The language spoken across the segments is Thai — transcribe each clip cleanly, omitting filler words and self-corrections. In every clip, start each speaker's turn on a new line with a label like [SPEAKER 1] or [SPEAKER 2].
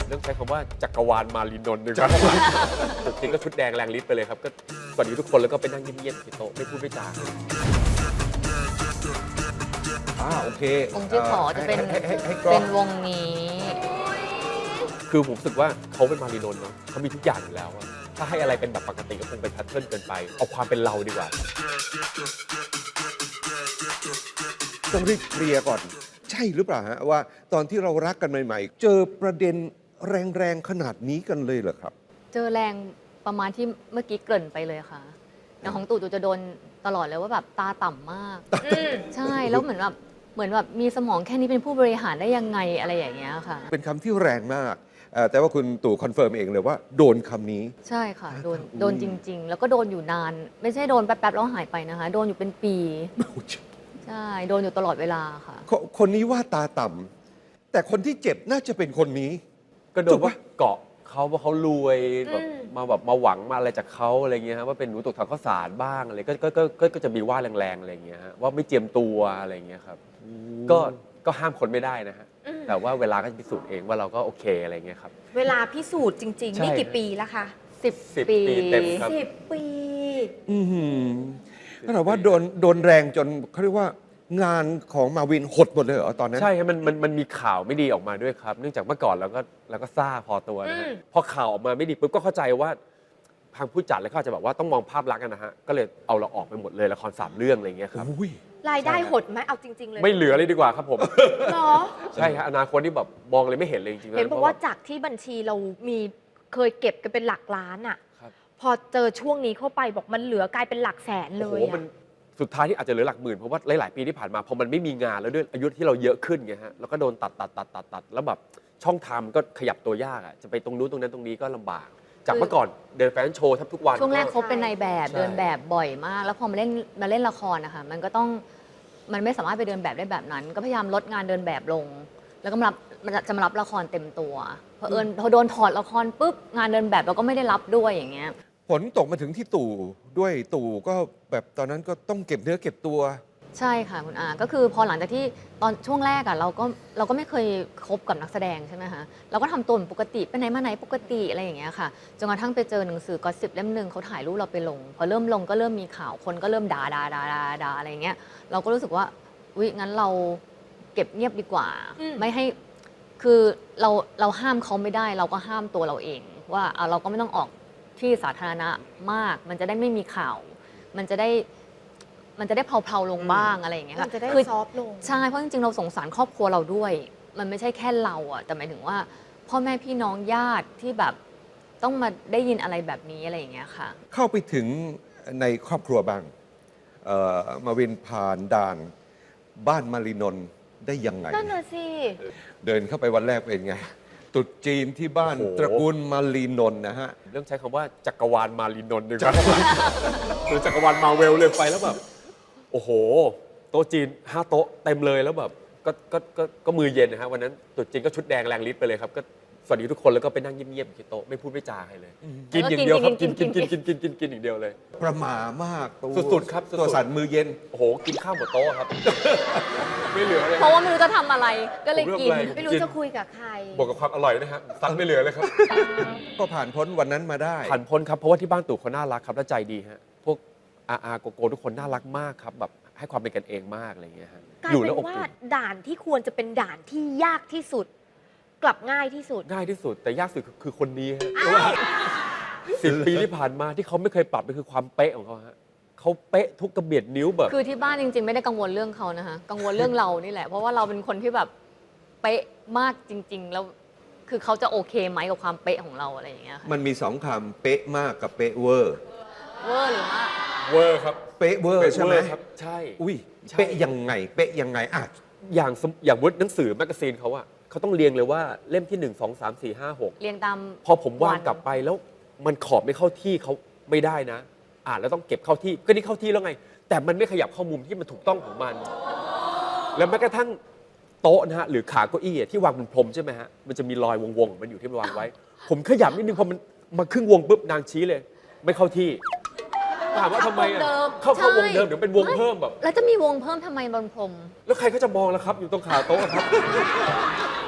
[SPEAKER 1] เรื่องใช้คำว่าจักรวาลมารีนนท์นะครับจริงก็ชุดแดงแรงฤทธิ์ไปเลยครับก็สวัสดีทุกคนแล้วก็ไปนั่งเงียบๆที่โต๊ะไม่พูดไม่จา
[SPEAKER 2] โอเค
[SPEAKER 3] องค์ที่ขอจะเป็น
[SPEAKER 2] ให้กล้
[SPEAKER 3] เป็
[SPEAKER 2] อง
[SPEAKER 3] นวงนี้
[SPEAKER 1] คือผมรู้สึกว่าเขาเป็นมารีนนท์เนาะเขามีทุกอย่างอยู่แล้วอะถ้าให้อะไรเป็นแบบปกติก็คงเป็นแพทเทิร์นเกินไปเอาความเป็นเราดีกว่า
[SPEAKER 2] ต้องรีบเคลียร์ก่อน ใช่หรือเปล่าฮะว่าตอนที่เรารักกันใหม่ๆ เจอประเด็นแรงๆขนาดนี้กันเลยเหรอครับ
[SPEAKER 3] เจอแรงประมาณที่เมื่อกี้เกริ่นไปเลยค่ะอย่างของตู่จะโดนตลอดเลยว่าแบบตาต่ำมากใช่แล้วเหมือนแบบมีสมองแค่นี้เป็นผู้บริหารได้ยังไงอะไรอย่างเงี้ยค่ะ
[SPEAKER 2] เป็นคำที่แรงมากแต่ว่าคุณตู่คอนเฟิร์มเองเลยว่าโดนคำนี้
[SPEAKER 3] ใช่ค่ะโดนจริง ๆ แล้วก็โดนอยู่นาน ไม่ใช่โดนแป๊บๆแล้วหายไปนะคะ โดนอยู่เป็นปีใช่โดนอยู่ตลอดเวลาค่ะ
[SPEAKER 2] คนนี้ว่าตาต่ำแต่คนที่เจ็บน่าจะเป็นคนนี้
[SPEAKER 1] ก็โดนว่าเกาะเขาว่าเขารวยแบบมาหวังมาอะไรจากเขาอะไรเงี้ยฮะว่าเป็นหนูตกทางข้าวสารบ้างอะไรก็จะมีว่าแรงๆอะไรเงี้ยฮะว่าไม่เจียมตัวอะไรเงี้ยครับก็ห้ามคนไม่ได้นะฮะแต่ว่าเวลาก็จะพิสูจน์เองว่าเราก็โอเคอะไรเงี้ยครับ
[SPEAKER 4] เวลาพิสูจน์จริง
[SPEAKER 1] ใช่
[SPEAKER 4] ๆ นี่กี่ปีแล้วคะ
[SPEAKER 1] 10
[SPEAKER 3] ปี
[SPEAKER 1] ปีเต็มครับ
[SPEAKER 4] 10 ปี
[SPEAKER 2] ก็แต่ว่าโดนแรงจนเขาเรียกว่างานของมาวินหดหมดเลยเหรอตอนนั้น
[SPEAKER 1] ใช่ครับมันมีข่าวไม่ดีออกมาด้วยครับ เนื่องจากเมื่อก่อนเราก็ซ่าพอตัวนะฮะพอข่าวออกมาไม่ดีปุ๊บก็เข้าใจว่าทางผู้จัดเลยเขาอาจจะแบบว่าต้องมองภาพลักษณ์กันนะฮะก็เลยเอาเราออกไปหมดเลยละคร3 เรื่องอะไรอย่างเงี้ยครับ
[SPEAKER 2] อุ้ย
[SPEAKER 4] รายได้หดไหมเอาจริง ๆ เลย
[SPEAKER 1] ไม่เหลือเลยดีกว่าครับผม
[SPEAKER 4] เหรอ
[SPEAKER 1] ใช่ครับอนาคตนี่แบบมองเลยไม่เห็นเลยจริงๆ
[SPEAKER 4] เห็นบอกว่า
[SPEAKER 1] พระ
[SPEAKER 4] จากที่บัญชีเรามีเคยเก็บกันเป็นหลักล้านอะ
[SPEAKER 1] ครับ
[SPEAKER 4] พอเจอช่วงนี้เข้าไปบอกมันเหลือกลายเป็นหลักแสนเล
[SPEAKER 1] โอ้โห
[SPEAKER 4] ย
[SPEAKER 1] มันสุดท้ายที่อาจจะเหลือหลักหมื่นเพราะว่าหลายๆปีที่ผ่านมาพอมันไม่มีงานแล้วด้วยอายุที่เราเยอะขึ้นไงฮะแล้วก็โดนตัดแล้วแบบช่องทางมันก็ขยับตัวยากอ่ะจะไปตรงนู้นตรงนั้นตรงนี้ก็ลำบาก จากเมื่อก่อนเดินแฟชั่นโชว์แทบทุกวัน
[SPEAKER 3] ช่วงแรกเขาเป็นนายแบบ
[SPEAKER 1] ใช่
[SPEAKER 3] เดินแบบบ่อยมาก แล้วพอมาเล่นละครนะคะมันไม่สามารถไปเดินแบบได้แบบนั้น ก็พยายามลดงานเดินแบบลง แล้วก็จะมารับละครเต็มตัวพอโดนถอดละครปุ๊บงานเดินแบบเราก็ไม่ได้รับด้วยอย่างเงี้ย
[SPEAKER 2] ผลตกมาถึงที่ตู่ด้วยตู่ก็แบบตอนนั้นก็ต้องเก็บเนื้อเก็บตัว
[SPEAKER 3] ใช่ค่ะคุณอาก็คือพอหลังจากที่ตอนช่วงแรกอะเราก็ไม่เคยคบกับนักแสดงใช่ไหมคะเราก็ทำตัวเหมือนปกติไปไหนมาไหนปกติอะไรอย่างเงี้ยค่ะจนกระทั่งไปเจอหนังสือก็10 เล่มหนึ่งเขาถ่ายรูปเราไปลงพอเริ่มลงก็เริ่มมีข่าวคนก็เริ่มด่าอะไรอย่างเงี้ยเราก็รู้สึกว่าอุ๊ยงั้นเราเก็บเงียบดีกว่า ไม่ให้คือเราห้ามเขาไม่ได้ เราก็ห้ามตัวเราเอง ว่าเราก็ไม่ต้องออกที่สาธารณะมาก มันจะได้ไม่มีข่าว มันจะได้เพลาๆลงบ้างอะไรอย่างเงี้ย
[SPEAKER 4] มั
[SPEAKER 3] ค่ะ
[SPEAKER 4] นจะได้
[SPEAKER 3] คือ
[SPEAKER 4] ซอฟต์ลง
[SPEAKER 3] ใช่ เพราะจริงๆ เราสงสารครอบครัวเราด้วย มันไม่ใช่แค่เราอะแต่หมายถึงว่า พ่อแม่พี่น้องญาติที่แบบต้องมาได้ยินอะไรแบบนี้อะไรอย่างเงี้ยค่ะ
[SPEAKER 2] เข้าไปถึงในครอบครัวบ้างมาวินผ่านด่านบ้านมารีนนท์ได้ยังไง
[SPEAKER 4] นั่นน่ะสิ
[SPEAKER 2] เดินเข้าไปวันแรกเป็นไงตรุษจีนที่บ้าน
[SPEAKER 1] โอ้โห
[SPEAKER 2] ตระกูลมารีนนท์นะฮะ
[SPEAKER 1] เรื่องใช้คำว่าจักรวาลมารีนนท์ดีกว่าหรือจักรวาลมาเวลเลยไปแล้วแบบโอ้โหโต๊ะจีน5 โต๊ะเต็มเลยแล้วแบบก็มือเย็นนะฮะวันนั้นตรุษจีนก็ชุดแดงแรงฤทธิ์ไปเลยครับก็สวัสดีทุกคนแล้วก็ไปนั่งเงียบๆที่โต๊ะไม่พูดไม่จาใครเลย กินอย่างเดียวครับกินอย่างเดียวเลย
[SPEAKER 2] ประหม่ามากตัว
[SPEAKER 1] สุดๆครับสุดๆ
[SPEAKER 2] ตัวสั่นมือเย็น
[SPEAKER 1] โอ้โหกินข้าวหมดโต๊ะครับ ไม่เหลือเลย
[SPEAKER 3] เพราะว่าไม่รู้จะทำอะไร ก็เลยกิน
[SPEAKER 1] ผมเลือกอะไร
[SPEAKER 4] ไม่รู้จะคุยกับใคร
[SPEAKER 1] บวกกับความอร่อยนะฮะซัดไม่เหลือเลยครับ
[SPEAKER 2] ก็ผ่านพ้นวันนั้นมาได้
[SPEAKER 1] ผ่านพ้นครับเพราะว่าที่บ้านตู่เขาน่ารักครับและใจดีฮะพวกอาโกโก้ทุกคนน่ารักมากครับแบบให้ความเป็นกันเองมากอะไรอย่างเงี้ยฮะ
[SPEAKER 4] กลาย
[SPEAKER 1] อยู่
[SPEAKER 4] เป็
[SPEAKER 1] แล้ว
[SPEAKER 4] น
[SPEAKER 1] อบ
[SPEAKER 4] ว่า
[SPEAKER 1] อุ่น
[SPEAKER 4] ด่านที่ควรจะเป็นด่านที่ยากที่สุด กลับง่ายที่สุด
[SPEAKER 1] ง่ายที่สุดแต่ยากสุดคือคนนี้ฮะเพราะว่า10 ปีที่ผ่านมาที่เขาไม่เคยปรับเลยคือความเป๊ะของเขาฮะเขาเป๊ะทุกกระเบียดนิ้วแบบ
[SPEAKER 3] คือที่บ้านจริงๆ ไม่ได้กังวลเรื่องเขานะคะกังวลเรื่องเรานี่แหละ เพราะว่าเราเป็นคนที่แบบเป๊ะมากจริง ๆ แล้วคือเขาจะโอเคไหมกับความเป๊ะของเราอะไรอย่างเงี้ยค่ะ
[SPEAKER 2] มันมีสองคำเป๊ะมากกับเป๊ะเวอร์
[SPEAKER 3] เวอร์หรือมาก
[SPEAKER 1] เวอร์ครับ
[SPEAKER 2] เป๊ะเวอร์ใช่ไหม
[SPEAKER 1] เวอร์ครับใช่
[SPEAKER 2] อุ้ย
[SPEAKER 1] ใช่
[SPEAKER 2] เป๊ะยังไง เป๊ะยังไงอ่ะ
[SPEAKER 1] อย่างวุฒิหนังสือแมกกาซีนเขาอะเขาต้องเรียงเลยว่าเล่มที่ 1 2 3 4 5 6
[SPEAKER 3] เรียงตาม
[SPEAKER 1] พอผมวางกลับไปแล้วมันขอบไม่เข้าที่เขาไม่ได้นะ อ่านแล้วต้องเก็บเข้าที่ก็นี่เข้าที่แล้วไง แต่มันไม่ขยับเข้ามุมที่มันถูกต้องของมัน แล้วแม้กระทั่งโต๊ะนะฮะหรือขาเก้าอี้อะที่วางบนพรมใช่ไหมฮะมันจะมีรอยวงๆมันอยู่ที่มันวางไว้ ผมขยับนิดนึงพอมันมาครึ่งวงปุ๊บนางชี้เลย ไม่เข้าที่ถามว่าทำไมอะเข้าวงเดิมเดี๋ยวเป็นวงเพิ่มแบบ
[SPEAKER 3] แล้วจะมีวงเพิ่มทำไมบนพรม
[SPEAKER 1] แล้วใครเขาจะมองล่ะครับ อยู่ตรงขาโต๊ะครับ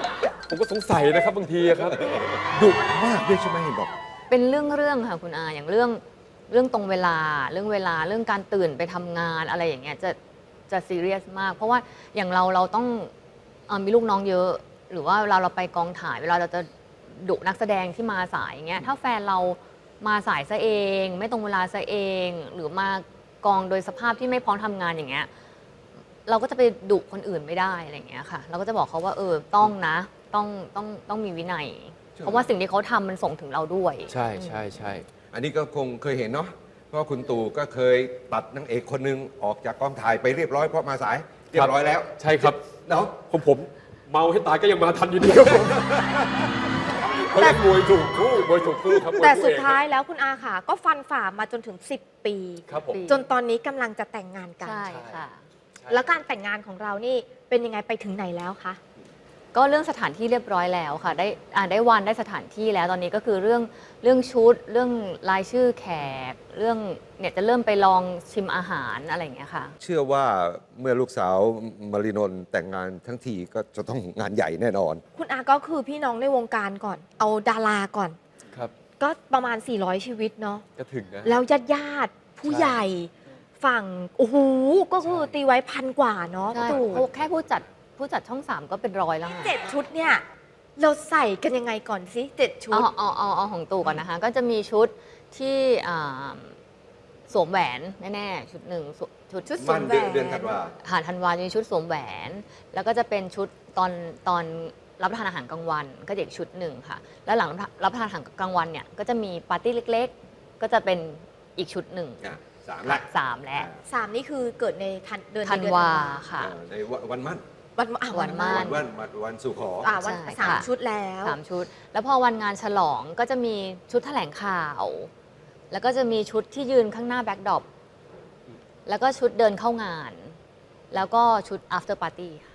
[SPEAKER 1] ผมก็สงสัยนะครับบางทีอะครับ
[SPEAKER 2] ดุมากด้วยใช่ไหมเห็นบอก
[SPEAKER 3] เป็นเรื่องค่ะคุณอาอย่างเรื่องตรงเวลาเรื่องการตื่นไปทำงานอะไรอย่างเงี้ยจะซีเรียสมาก เพราะว่าอย่างเราต้องมีลูกน้องเยอะ หรือว่าเวลาเราไปกองถ่ายเวลาเราจะดุนักแสดงที่มาสายอย่างเงี้ยถ้าแฟนเรามาสายซะเอง ไม่ตรงเวลาซะเอง หรือมากองโดยสภาพที่ไม่พร้อมทำงานอย่างเงี้ยเราก็จะไปดุคนอื่นไม่ได้อะไรอย่างเงี้ยค่ะ เราก็จะบอกเขาว่าต้องนะต้องมีวินัย เพราะว่าสิ่งที่เขาทำมันส่งถึงเราด้วย
[SPEAKER 1] ใช่ใช่ใช่
[SPEAKER 2] อันนี้ก็คงเคยเห็นเนาะเพราะคุณตู่ก็เคยตัดนางเอกคนหนึงออกจากกองถ่ายไปเรียบร้อยเพราะมาสายเรียบร้อยแล้ว
[SPEAKER 1] ใช่ครับ
[SPEAKER 2] เนาะ
[SPEAKER 1] ผมเมาให้ตายก็ยังมาทันอยู่ดีครับผมเพราะมวยถูกคู่ครับมวย
[SPEAKER 4] แต่
[SPEAKER 1] คู่
[SPEAKER 4] สุด
[SPEAKER 1] เอง
[SPEAKER 4] ท้ายแล้วคุณอาค่ะ ก็ฟันฝ่ามาจนถึง 10 ปี
[SPEAKER 1] ครับผม
[SPEAKER 4] จนตอนนี้กำลังจะแต่งงานกัน
[SPEAKER 3] ใช่ค่ะ
[SPEAKER 4] แล้วการแต่งงานของเรานี่เป็นยังไงไปถึงไหนแล้วคะ
[SPEAKER 3] ก็เรื่องสถานที่เรียบร้อยแล้วค่ะ ได้วันได้สถานที่แล้วตอนนี้ก็คือเรื่องชุด เรื่องรายชื่อแขก เรื่องเนี่ยจะเริ่มไปลองชิมอาหารอะไรอย่างเงี้ยค่ะ
[SPEAKER 2] เชื่อว่าเมื่อลูกสาวมารินนท์แต่งงานทั้งทีก็จะต้องงานใหญ่แน่นอน
[SPEAKER 4] คุณอาก็คือพี่น้องในวงการก่อน เอาดาราก่อน
[SPEAKER 1] ครับ
[SPEAKER 4] ก็ประมาณ 400 ชีวิตเนาะ
[SPEAKER 1] ก็ถึงนะ
[SPEAKER 4] แล้วญาติผู้ใหญ่ ฝั่งโอ้โหก็คือตีไว้1,000 กว่าเนาะ
[SPEAKER 3] ใช่
[SPEAKER 4] ตู่
[SPEAKER 3] แค่ผู้จัดช่อง 3 ก็เป็นร้อยแล้วค่ะ
[SPEAKER 4] 7 ชุดเนี่ย เราใส่กันยังไงก่อนสิ7 ชุด
[SPEAKER 3] เอาของตู่ก่อนนะคะ ก็จะมีชุดที่สวมแหวนแน่ๆชุดหนึ่งชุดสวมแหวน
[SPEAKER 2] เดือนธันวา
[SPEAKER 3] ธันวาจะมีชุดสวมแหวน แล้วก็จะเป็นชุดตอนรับประทานอาหารกลางวันก็จะอีกชุดหนึ่งค่ะ แล้วหลังรับประทานอาหารกลางวันเนี่ยก็จะมีปาร์ตี้เล็กๆ ก็จะเป็นอีกชุดหนึ่ง
[SPEAKER 2] สามละ
[SPEAKER 3] 3 และ
[SPEAKER 4] 3 นี่คือเกิดในเดือน
[SPEAKER 3] ธัน
[SPEAKER 4] เดือน
[SPEAKER 3] วาค่ะ
[SPEAKER 2] ในวันมั่น
[SPEAKER 3] วันมั่น
[SPEAKER 2] วันสู่ขอ
[SPEAKER 4] วัน
[SPEAKER 3] ใช่
[SPEAKER 4] สาม
[SPEAKER 3] ค่ะ
[SPEAKER 4] ชุดแล้ว
[SPEAKER 3] 3 ชุด แล้วพอวันงานฉลองก็จะมีชุดแถลงข่าว แล้วก็จะมีชุดที่ยืนข้างหน้าแบ็คดรอปแล้วก็ชุดเดินเข้างาน แล้วก็ชุด after party ค่ะ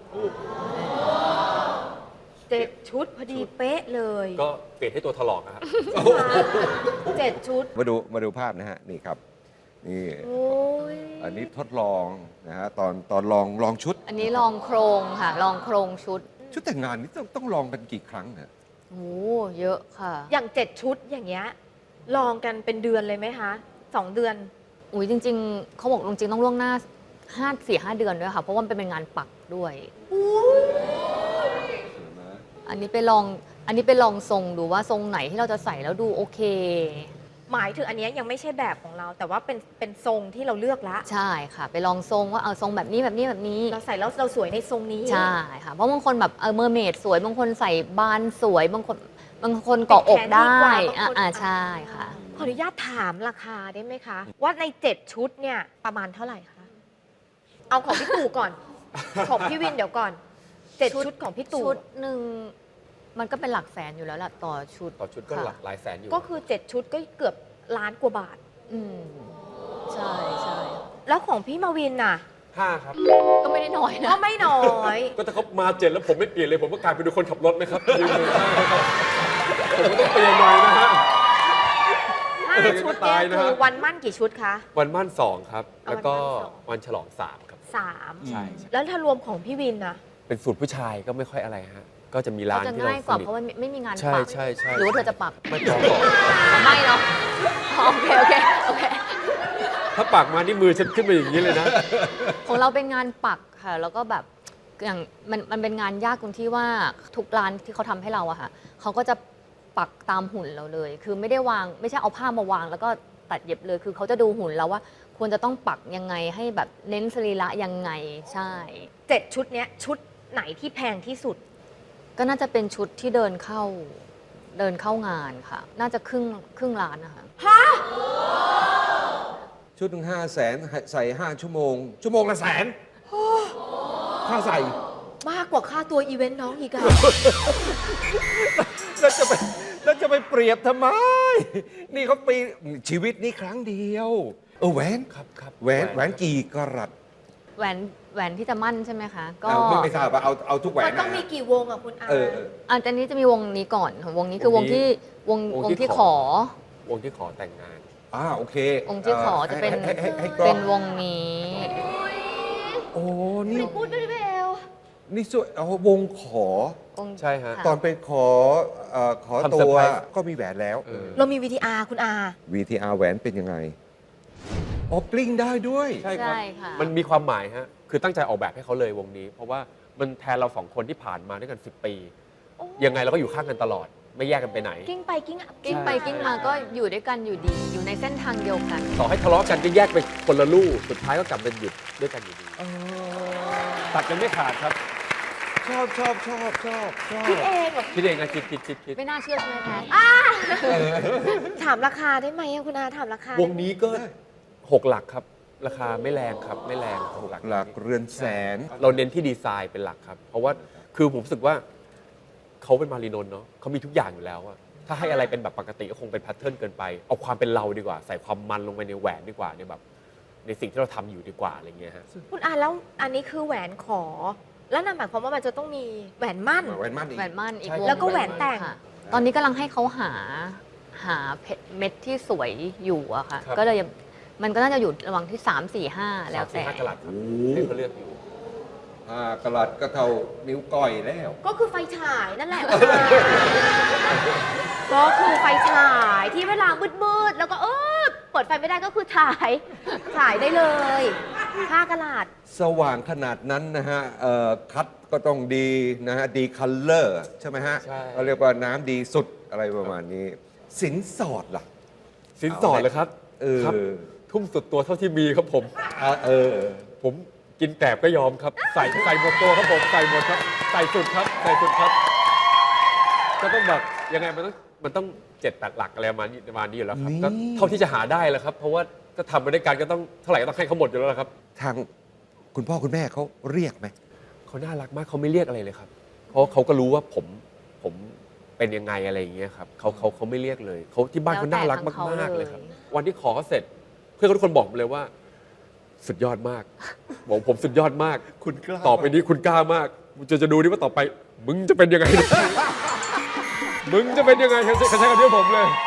[SPEAKER 4] 7 ชุดพอดีเป๊ะเลย
[SPEAKER 1] ก็เปลี่ยนให้ตัวถลอกนะครับ
[SPEAKER 4] 7 ชุด
[SPEAKER 2] มาดูภาพนะฮะ นี่ครับ นี่
[SPEAKER 4] โอ้ย
[SPEAKER 2] อันนี้ทดลองนะฮะตอนลองชุด
[SPEAKER 3] อันนี้ลองโครงค่ะ ลองโครงชุด
[SPEAKER 2] ชุดแต่งงานนี่ต้องลองกันกี่ครั้งเนี่ย
[SPEAKER 3] โอ้เยอะค่ะ
[SPEAKER 4] อย่าง 7 ชุดอย่างเงี้ยลองกันเป็นเดือนเลยไหมคะ 2 เดือน
[SPEAKER 3] อุ้ยจริง ๆ เขาบอกจริงๆต้องล่วงหน้า4-5 เดือนด้วยค่ะ เพราะว่ามันเป็นงานปักด้วย อันนี้ไปลองทรงดูว่าทรงไหนที่เราจะใส่แล้วดูโอเค
[SPEAKER 4] หมายถึงอันเนี้ยยังไม่ใช่แบบของเรา แต่ว่าเป็นทรงที่เราเลือกละ
[SPEAKER 3] ใช่ค่ะ ไปลองทรงว่าเอาทรงแบบนี้แบบนี้แบบนี้
[SPEAKER 4] เราใส่แล้วเราสวยในทรงนี้
[SPEAKER 3] ใช่ค่ะ เพราะบางคนแบบเมอร์เมดสวย บางคนใส่บานสวย บางคนเกาะอกได้ ใช่ค่ะ
[SPEAKER 4] ขออนุญาตถามราคาได้ไหมคะ ว่าใน 7 ชุดเนี่ยประมาณเท่าไหร่คะ เอาของพี่ตู่ก่อน ของพี่วินเดี๋ยวก่อน 7 ชุดของพี่ตู่
[SPEAKER 3] ชุดหนึ่งมันก็เป็นหลักแสนอยู่แล้วล่ะต่อชุด
[SPEAKER 1] ต่อชุดก็
[SPEAKER 3] ค่ะ
[SPEAKER 1] หลักหลายแสนอยู่
[SPEAKER 4] ก็คือ 7 ชุดก็เกือบล้านกว่าบาท
[SPEAKER 3] อืมใช่ใช่
[SPEAKER 4] แล้วของพี่มาวินน่ะ
[SPEAKER 1] 5 ครับ
[SPEAKER 3] ก็ไม่ได้น้อยนะ
[SPEAKER 4] ก็ไม่น้อย
[SPEAKER 1] ก็ถ้าเขามา7แล้วผมไม่เปลี่ยนเลยผมก็กลายเป็นคนขับรถไหมครับยืมมือข้างนะครับผมก็ต้องเปลี่ยนหน่อยนะฮะ
[SPEAKER 4] 5 ชุดเนี่ย
[SPEAKER 1] ตายนะ
[SPEAKER 4] คื
[SPEAKER 1] ฮะ
[SPEAKER 4] อวันมั่นกี่ชุดคะ
[SPEAKER 1] วันมั่น2 ครับ แล้วก็
[SPEAKER 4] วันมั่น
[SPEAKER 1] วันฉลอง 3 ครับ
[SPEAKER 4] 3
[SPEAKER 1] ใช่
[SPEAKER 4] แล้วถ้ารวมของพี่วินน่ะ
[SPEAKER 1] เป็นสูตรผู้ชายก็ไม่ค่อยอะไรฮะ ก็จะมีร้าน
[SPEAKER 3] จะ
[SPEAKER 1] ที่เรา
[SPEAKER 3] ง่าย
[SPEAKER 1] ส
[SPEAKER 3] กว่า
[SPEAKER 1] นิท
[SPEAKER 3] เพราะว่าไม่มีงาน
[SPEAKER 1] ใช่
[SPEAKER 3] ปัก
[SPEAKER 1] ใช่ใช่
[SPEAKER 3] หรือว่าเธอจะปัก
[SPEAKER 1] ไม่พอก่อน
[SPEAKER 3] ไม่เนาะโอเคโอเค
[SPEAKER 1] ถ้าปากมานี่มือฉันขึ้นมาอย่างนี้เลยนะ
[SPEAKER 3] ของเราเป็นงานปักค่ะ แล้วก็แบบอย่างมันเป็นงานยากตรงที่ว่าทุกร้านที่เขาทำให้เราอะค่ะเขาก็จะปักตามหุ่นเราเลย คือไม่ได้วางไม่ใช่เอาผ้ามาวาง แล้วก็ตัดเย็บเลย คือเขาจะดูหุ่นเราว่า ควรจะต้องปักยังไงให้แบบเน้นสรีระยังไงใช่
[SPEAKER 4] 7 ชุดเนี้ยชุดไหนที่แพงที่สุด
[SPEAKER 3] ก็น่าจะเป็นชุดที่เดินเข้างานค่ะ น่าจะครึ่งล้านนะคะ
[SPEAKER 2] ชุดหนึ่ง500,000ใส่5 ชั่วโมง ชั่วโมงละ100,000ค่าใส่
[SPEAKER 4] มากกว่าค่าตัวอีเวนต์น้องอีกอะ
[SPEAKER 2] แล้วจะไปเปรียบทำไม นี่เขาปีชีวิตนี้ครั้งเดียวแหวน
[SPEAKER 1] ครับครับ
[SPEAKER 2] แหวนกี่กะรัต
[SPEAKER 3] แหวนที่จะมั่นใช่ไหมคะ ก็
[SPEAKER 2] ไม่ทราบว่าเอาทุกแหว
[SPEAKER 4] มัน นต้อง
[SPEAKER 2] นะ
[SPEAKER 4] มีกี่วงอะคุณอา
[SPEAKER 3] อันนี้จะมีวงนี้ก่อนวงนี้คือวงที่ขอ
[SPEAKER 1] วงที่ขอแต่งงาน
[SPEAKER 2] โอเค
[SPEAKER 3] องค์ที่ขอจะเป็น
[SPEAKER 2] ให้กล้
[SPEAKER 3] เป็
[SPEAKER 2] อง
[SPEAKER 3] นวงนี้
[SPEAKER 2] โอ้นี่
[SPEAKER 4] พูดด้วยเบล
[SPEAKER 2] นี่ส่วนเอาวงขอ
[SPEAKER 3] องค์
[SPEAKER 1] ใช่ฮะ
[SPEAKER 3] ค่ะ
[SPEAKER 2] ตอนไปขอขอ
[SPEAKER 1] ทำ
[SPEAKER 2] ตั
[SPEAKER 1] เซอร์
[SPEAKER 2] ว
[SPEAKER 1] ไพรส์
[SPEAKER 2] ก็มีแหวนแล้ว
[SPEAKER 4] เรามี VTR คุณอา
[SPEAKER 2] VTR แหวนเป็นยังไงอ๋อกลิ้งได้ด้วย
[SPEAKER 1] ใช่ครับ
[SPEAKER 3] ใช่ค่ะ
[SPEAKER 1] มันมีความหมายฮะ คือตั้งใจออกแบบให้เขาเลยวงนี้ เพราะว่ามันแทนเราสองคนที่ผ่านมาด้วยกัน 10 ปี
[SPEAKER 4] โอ้
[SPEAKER 1] ยังไงเราก็อยู่ข้างกันตลอด ไม่แยกกันไปไหน
[SPEAKER 4] กิ้งไปกิ้ง
[SPEAKER 3] กิ้งไปกิ้งมาก็อยู่ด้วยกันอยู่ดี อยู่ในเส้นทางเดียวกัน
[SPEAKER 1] ต่อให้ทะเลาะกันก็แยกไปคนละลู่สุดท้ายก็กลับมาหยุดด้วยกันอยู่ดี ตัดกันไม่ขาดครับ
[SPEAKER 2] ชอบ
[SPEAKER 4] คิดเองเหรอ
[SPEAKER 1] คิดเองนะคิด
[SPEAKER 3] ไม่น่าเชื่อใช่ไหมแพท
[SPEAKER 4] ถามราคาได้ไหมอะคุณอาถามราคาว
[SPEAKER 1] งนี้ก็ 6 หลักครับ ราคาไม่แรงครับ ไม่แรง6 หลัก
[SPEAKER 2] หลักเรือนแสน
[SPEAKER 1] เราเน้นที่ดีไซน์เป็นหลักครับ เพราะว่าคือผมรู้สึกว่าเขาเป็นมารีนนท์เนาะเขามีทุกอย่างอยู่แล้วอะถ้าให้อะไรเป็นแบบปกติก็คงเป็นแพทเทิร์นเกินไป เอาความเป็นเราดีกว่า ใส่ความมันลงไปในแหวนดีกว่าในแบบในสิ่งที่เราทำอยู่ดีกว่าอะไรเงี้ยฮะ
[SPEAKER 4] คุณอาแล้วอันนี้คือแหวนขอ แล้วนั่นหมายความว่ามันจะต้องมีแหวนมั่น
[SPEAKER 2] แหวนมั่นอีก
[SPEAKER 3] แหวนมั่นอีก
[SPEAKER 1] ใช่
[SPEAKER 3] วง
[SPEAKER 4] แล้วก็แหวนแต่ง
[SPEAKER 3] ค่ะตอนนี้กำลังให้เขาหาเพชรเม็ดที่สวยอยู่อะค่ะ
[SPEAKER 1] ครับ
[SPEAKER 3] ก็เลยมันก็น่าจะอยู่ระหว่างที่ 3 4 5 แล้วแต่
[SPEAKER 1] 3-4-5 กะลัดครับให้เขาเลือกอยู่
[SPEAKER 2] กะลัดก็เท่านิ้วก้อยแล้ว
[SPEAKER 4] ก็คือไฟฉายนั่นแหละ ก็คือไฟฉายที่เวลามืดๆแล้วก็เปิดไฟไม่ได้ก็คือฉายได้เลย5 กะลัด
[SPEAKER 2] สว่างขนาดนั้นนะฮะคัดก็ต้องดีนะฮะ ดีคัลเลอร์ใช่ไหมฮะ
[SPEAKER 1] ใช่
[SPEAKER 2] เขาเรียกว่าน้ำดีสุดอะไรประมาณนี้ สินสอดล่ะ
[SPEAKER 1] สินสอดเลยครับ ครับ ทุ่มสุดตัวเท่าที่มีครับผม ผมกินแกลบก็ยอมครับ ใส่หมดตัวครับผมใส่หมดครับ ใส่สุดครับใส่สุดครับ ก็ต้องแบบยังไงมันต้อง7-8 หลักอะไรประมาณนี้อยู่แล้วครับ
[SPEAKER 2] นี่
[SPEAKER 1] ก็เท่าที่จะหาได้แล้วครับ เพราะว่าก็ทำไปด้วยกันก็ต้องเท่าไหร่ก็ต้องให้เขาหมดอยู่แล้วครับ
[SPEAKER 2] ทางคุณพ่อคุณแม่เขาเรียกไหม
[SPEAKER 1] เขาน่ารักมากเขาไม่เรียกอะไรเลยครับ เพราะเขาก็รู้ว่าผมเป็นยังไงอะไรอย่างเงี้ยครับเขาไม่เรียกเลยเขาที่บ้านเขาน่ารัก
[SPEAKER 3] แล้วแต่ทางเขา
[SPEAKER 1] มากๆเลย
[SPEAKER 3] เลย
[SPEAKER 1] ครับ วันที่ขอเขาเสร็จ เพื่อนเขาทุกคนบอกผมเลยว่า สุดยอดมากบอกผมสุดยอดมาก
[SPEAKER 2] คุณกล้า
[SPEAKER 1] ต่อไปนี้คุณกล้ามากจะดูดิว่าต่อไป มึงจะเป็นยังไง มึงจะเป็นยังไงเขาใช้คำนี้กับผมเลย